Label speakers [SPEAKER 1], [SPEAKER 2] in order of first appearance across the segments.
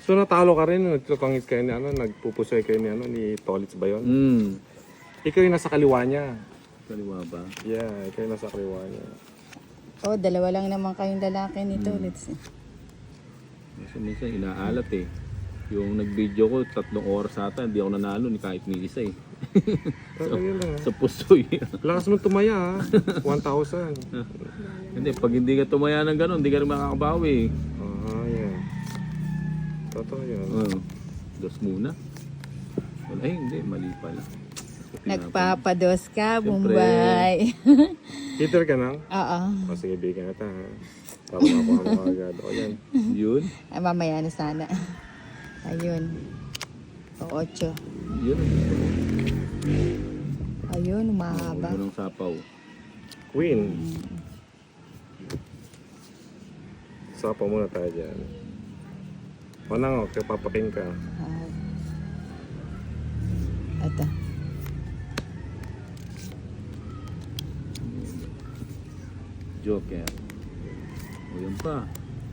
[SPEAKER 1] So natalo ka rin, nagtutungit kayo ni ano, nagpupusoy kayo ni ano, ni Tolitz ba yun? Ikaw yung nasa kaliwa niya.
[SPEAKER 2] Kaliwa ba?
[SPEAKER 1] Yeah, ikaw yung nasa kaliwa niya.
[SPEAKER 3] Oh, dalawa lang naman kayong lalaki nito. Let's see.
[SPEAKER 2] Minsan inaalat eh. Yung nag-video ko, 3 oras ata, hindi ako nanalo ni kahit ni isa eh.
[SPEAKER 1] Pero yun lang.
[SPEAKER 2] Sa pusoy.
[SPEAKER 1] Lakas mo tumaya ha. 1,000.
[SPEAKER 2] Hindi, pag hindi ka tumaya ng gano'n, hindi ka rin makakabawi eh.
[SPEAKER 1] Yeah. Totoo yun.
[SPEAKER 2] Dos muna. Wala eh, hindi, mali pala.
[SPEAKER 3] Nagpapados ka,
[SPEAKER 2] Siyempre.
[SPEAKER 3] Bombay.
[SPEAKER 1] Heater ka na?
[SPEAKER 3] Oo.
[SPEAKER 1] O sige, bigyan kita ha. Para makuha mo agad. O yan.
[SPEAKER 2] Yun.
[SPEAKER 3] Ay, mamaya na sana. Ayun. O, 8.
[SPEAKER 2] Yun.
[SPEAKER 3] Ayun, mahaba.
[SPEAKER 2] Huwag mo ng sapaw.
[SPEAKER 1] Queen. Sapa muna tayo dyan. O nang, okay, papaking ka.
[SPEAKER 3] Ito.
[SPEAKER 2] Joker. O yun pa.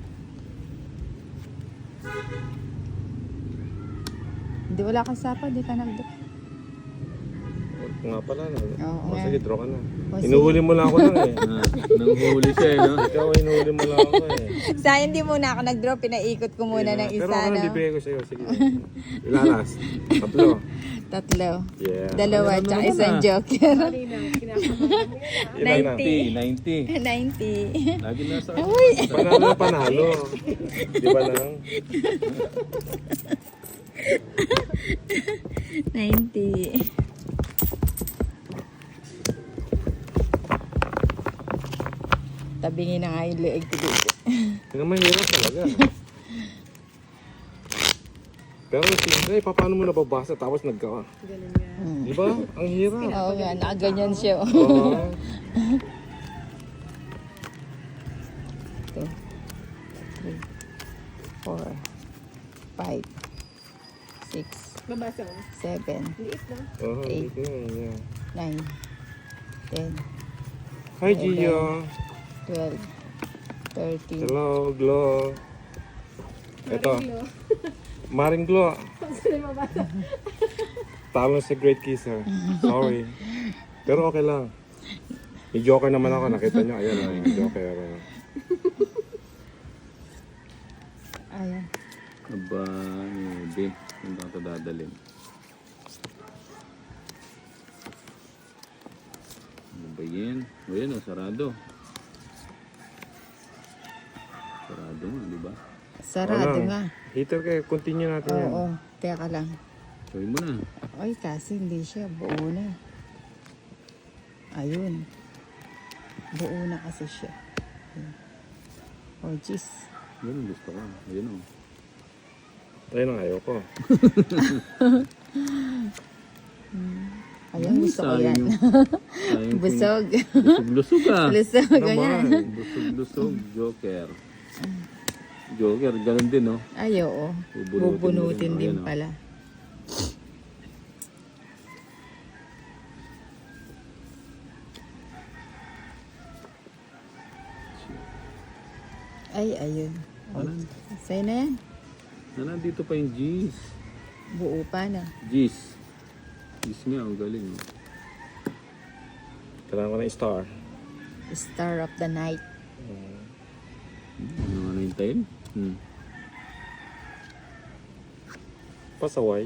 [SPEAKER 3] Hindi, wala kang sapa, di ka nagdo.
[SPEAKER 1] O nga pala na.
[SPEAKER 3] Oo
[SPEAKER 1] O
[SPEAKER 3] nga.
[SPEAKER 1] sige, draw ka na.
[SPEAKER 3] O, sige.
[SPEAKER 1] Hinuhuli mo lang ako lang eh.
[SPEAKER 2] Nanghuli siya eh, no?
[SPEAKER 1] Ikaw, hinuhuli mo lang ako eh.
[SPEAKER 3] Sayang di muna ako nag-draw, pinaikot ko muna ng
[SPEAKER 1] Pero
[SPEAKER 3] isa
[SPEAKER 1] ako
[SPEAKER 3] na.
[SPEAKER 1] bibigay ko sa'yo. Sige. Ilalas. Tatlo.
[SPEAKER 3] 3.
[SPEAKER 1] Yeah.
[SPEAKER 3] Dalawa,
[SPEAKER 2] Ano
[SPEAKER 3] tsaka
[SPEAKER 2] naman
[SPEAKER 3] isang
[SPEAKER 2] ah?
[SPEAKER 3] joker.
[SPEAKER 1] Ilan na?
[SPEAKER 2] 90.
[SPEAKER 3] 90.
[SPEAKER 2] Lagi nasa
[SPEAKER 3] Uy!
[SPEAKER 1] Panalo na panalo. Di ba lang?
[SPEAKER 3] 90. Tabingin na nga yung leeg ko dito.
[SPEAKER 1] Hindi mahirap talaga. Pero siyempre, paano mo nababasa tapos nagka... Di ba? Ang hirap.
[SPEAKER 3] Oo nga, nakaganyan siya.
[SPEAKER 1] Oo.
[SPEAKER 3] 2, 3, 4, 5, 6,
[SPEAKER 4] Mabasa mo.
[SPEAKER 3] 7,
[SPEAKER 4] Liit na.
[SPEAKER 1] Oo,
[SPEAKER 3] Eight.
[SPEAKER 1] dito na, yeah.
[SPEAKER 3] 9, 10,
[SPEAKER 1] Hi, Gio.
[SPEAKER 3] 12, 13.
[SPEAKER 1] Hello, Glo. Ito,
[SPEAKER 4] Marilo.
[SPEAKER 1] Maring Glo.
[SPEAKER 4] Sino yung mabasa?
[SPEAKER 1] Talo sa Great Kisser. Sorry. Pero okay lang. May joker naman ako. Nakita nyo. Ayan, may joker.
[SPEAKER 3] Ayan.
[SPEAKER 2] Aba, hindi. Hindi ako dadalhin. Ano ba yan? O yan o, sarado. Sarado nga, di ba?
[SPEAKER 3] Sarado
[SPEAKER 1] Ano?
[SPEAKER 3] nga.
[SPEAKER 1] Heater kayo. Continue natin yan.
[SPEAKER 3] Oo, teka lang.
[SPEAKER 2] Gawin mo na.
[SPEAKER 3] Ay, kasi hindi siya. Buo na. Ayun. Buo na kasi siya. Ayun. Oh, jeez.
[SPEAKER 2] Yan ang gusto ko. Ayan o.
[SPEAKER 1] Ayun ang ayaw ko.
[SPEAKER 3] Ayun, gusto ko yan. Busog.
[SPEAKER 2] Busog-lusog ah.
[SPEAKER 3] Lusog, ganyan.
[SPEAKER 1] Naman.
[SPEAKER 2] Busog-lusog. Joker. Joker, ganun din no?
[SPEAKER 3] Ay, oo.
[SPEAKER 2] Bubunutin
[SPEAKER 3] Bubunutin
[SPEAKER 2] mo rin.
[SPEAKER 3] din
[SPEAKER 2] Ayan, oh.
[SPEAKER 3] pala. Ay, ayun.
[SPEAKER 2] Ano?
[SPEAKER 3] Sa'yo na yan.
[SPEAKER 2] Nandito pa yung G's.
[SPEAKER 3] Buo pa na.
[SPEAKER 2] G's. G's nga, ang galing. Oh.
[SPEAKER 1] Kailangan ko ng star.
[SPEAKER 3] Star of the night.
[SPEAKER 2] Ano nga nahintayin?
[SPEAKER 1] Pasaway.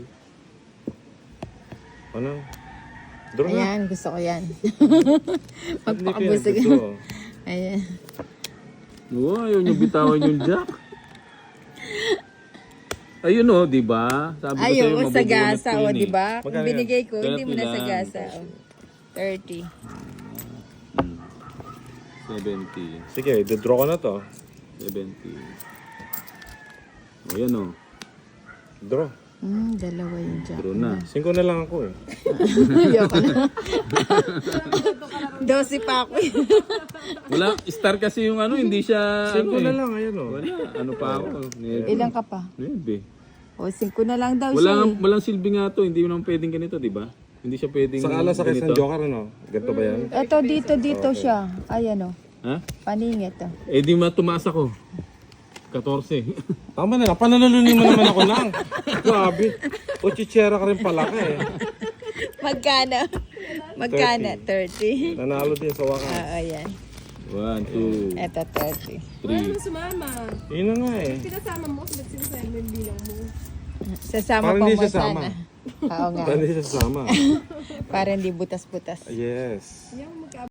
[SPEAKER 1] Ano? Draw na.
[SPEAKER 3] Ayan, gusto ko yan.
[SPEAKER 1] Hindi ko yan
[SPEAKER 3] Magpakabusog.
[SPEAKER 1] gusto.
[SPEAKER 3] Ayan.
[SPEAKER 2] Oo, ayaw nyo bitawan yung jack. Ayun o, di ba? Sabi ko
[SPEAKER 3] Ay,
[SPEAKER 2] sa'yo,
[SPEAKER 3] oo,
[SPEAKER 2] mabubunot
[SPEAKER 3] sagasa,
[SPEAKER 2] ko
[SPEAKER 3] o,
[SPEAKER 2] yun eh.
[SPEAKER 3] di ba? Kung
[SPEAKER 1] Magkano yan?
[SPEAKER 3] binigay ko, hindi mo
[SPEAKER 2] 30
[SPEAKER 3] na
[SPEAKER 2] lang.
[SPEAKER 3] sagasa. O. 30.
[SPEAKER 2] 70.
[SPEAKER 1] Sige, dodraw ko na to.
[SPEAKER 2] 70. O yan o.
[SPEAKER 1] Draw.
[SPEAKER 3] Dalawa yung jack.
[SPEAKER 2] Draw na.
[SPEAKER 1] 5 na lang ako eh.
[SPEAKER 3] Ayoko na. 12 pa ako.
[SPEAKER 2] Wala, star kasi yung ano, hindi siya...
[SPEAKER 1] 5
[SPEAKER 2] ano
[SPEAKER 1] na
[SPEAKER 2] eh.
[SPEAKER 1] lang, ayun o.
[SPEAKER 2] Wala, ano pa ako.
[SPEAKER 3] Ilan ka pa?
[SPEAKER 2] 9.
[SPEAKER 3] O, 5 na lang daw siya.
[SPEAKER 2] Walang silbi nga to, hindi mo naman pwedeng ganito, di ba? Hindi siya pwedeng
[SPEAKER 1] Sa alas sa
[SPEAKER 2] ganito.
[SPEAKER 1] isang joker ano? Ganito ba yan?
[SPEAKER 3] Ito, dito siya. Ayan o.
[SPEAKER 2] Ha?
[SPEAKER 3] Paningit o.
[SPEAKER 2] Eh di matumaas ako. 14.
[SPEAKER 1] Tama na lang, pananalunin mo naman ako lang. Grabe. O chichera ka rin pala ka eh.
[SPEAKER 3] Magkano? Magkano? 30.
[SPEAKER 1] Nanalo din sa wakas.
[SPEAKER 3] Oo, yan.
[SPEAKER 2] 1, 2,
[SPEAKER 3] Eto, 30.
[SPEAKER 2] 3.
[SPEAKER 4] Sumama.
[SPEAKER 1] Yun na nga eh.
[SPEAKER 4] Pinasama mo kasi ba't sinasabi mo yung bilang mo?
[SPEAKER 3] Sasama
[SPEAKER 1] Parang
[SPEAKER 3] pa
[SPEAKER 1] hindi
[SPEAKER 3] mo
[SPEAKER 1] sasama.
[SPEAKER 3] sana. Oo nga.
[SPEAKER 1] Hindi siya sasama.
[SPEAKER 3] Para hindi butas-butas.
[SPEAKER 1] Yes.
[SPEAKER 4] Yung magka